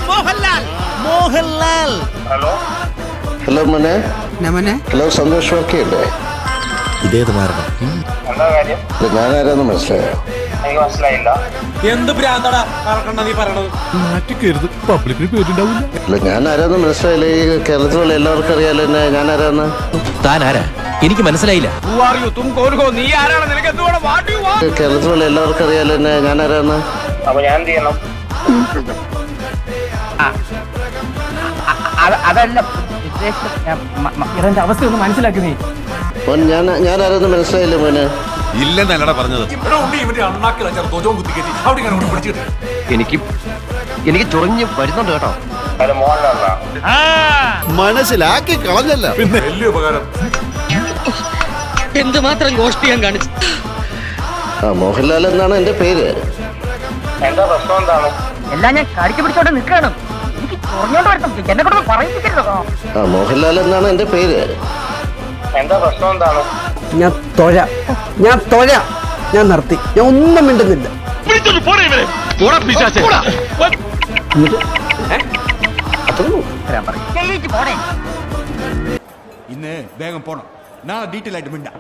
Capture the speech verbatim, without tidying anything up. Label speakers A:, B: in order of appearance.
A: Mohanlal Mohanlal
B: hello
C: hello മോനെ.
D: മോനെ.
C: Hello Santhosh വർക്കിയല്ലേ?
A: ഇതേത് മാർഗം?
B: എന്താ കാര്യം?
C: ഞാനാരാന്ന് മനസ്സിലായോ?
B: എനിക്ക് മനസ്സിലായില്ല.
E: എന്ത് ഭ്രാന്തടാ പറക്കണ്ട നീ പറയണത്?
A: മാറ്റിക്കരുത്, പബ്ലിക്കിന് പേരുണ്ടാവില്ല.
C: അല്ല ഞാനാരാന്ന് മനസ്സിലായില്ല. ഈ കേരളത്തിലുള്ള എല്ലാവർക്കും അറിയാലോ എന്നെ ഞാനാരാന്ന്.
F: താൻ ആരാ? എനിക്ക് മനസ്സിലായില്ല.
E: നീ ആരാണ്? നിനക്ക് എന്തുകൊണ്ട് വാട്ടി വാ?
C: കേരളത്തിലുള്ള എല്ലാവർക്കും അറിയാലോ എന്നെ ഞാനാരാന്ന്.
B: അപ്പൊ ഞാൻ എന്ത് ചെയ്യണം?
G: അതല്ല ഇവന്റെ അവസ്ഥ ഒന്ന് മനസ്സിലാക്കി നീ.
C: മോൻ ഞാൻ ഞാനാരാന്ന് മനസ്സിലായില്ല മോനെ.
A: ഇല്ലെന്നല്ലടാ പറഞ്ഞത്.
F: എനിക്ക് എനിക്ക് ചൊറിഞ്ഞ് വരുന്നുണ്ട് കേട്ടോ.
B: അത് മോഹൻലാലാ.
A: മനസ്സിലാക്കി കളഞ്ഞല്ല. പിന്നെ വലിയ ഉപകാരം.
G: എന്തുമാത്രം ഗോഷ്ടിയാൻ കാണിച്ചു.
C: ആ മോഹൻലാൽ എന്നാണ് എന്റെ പേര്.
B: എന്താ പ്രശ്നം എന്താണ്?
G: എല്ലാം ഞാൻ കടിച്ചു പിടിച്ചോണ്ട് നിൽക്കണം. എനിക്ക് ചൊറിഞ്ഞോണ്ട് വരണം. എന്നെ കൊണ്ട് പറയിപ്പിക്കരുതോ.
C: ആ മോഹൻലാൽ എന്നാണ് എന്റെ പേര്.
B: എന്താ പ്രശ്നം എന്താണ്?
D: ഞാൻ തൊഴ ഞാൻ തൊഴ ഞാൻ നിർത്തി. ഞാൻ ഒന്നും മിണ്ടുന്നില്ല.
A: ഇന്ന് വേഗം പോണം. നാളെ ഡീറ്റെയിൽ ആയിട്ട് മിണ്ടാം.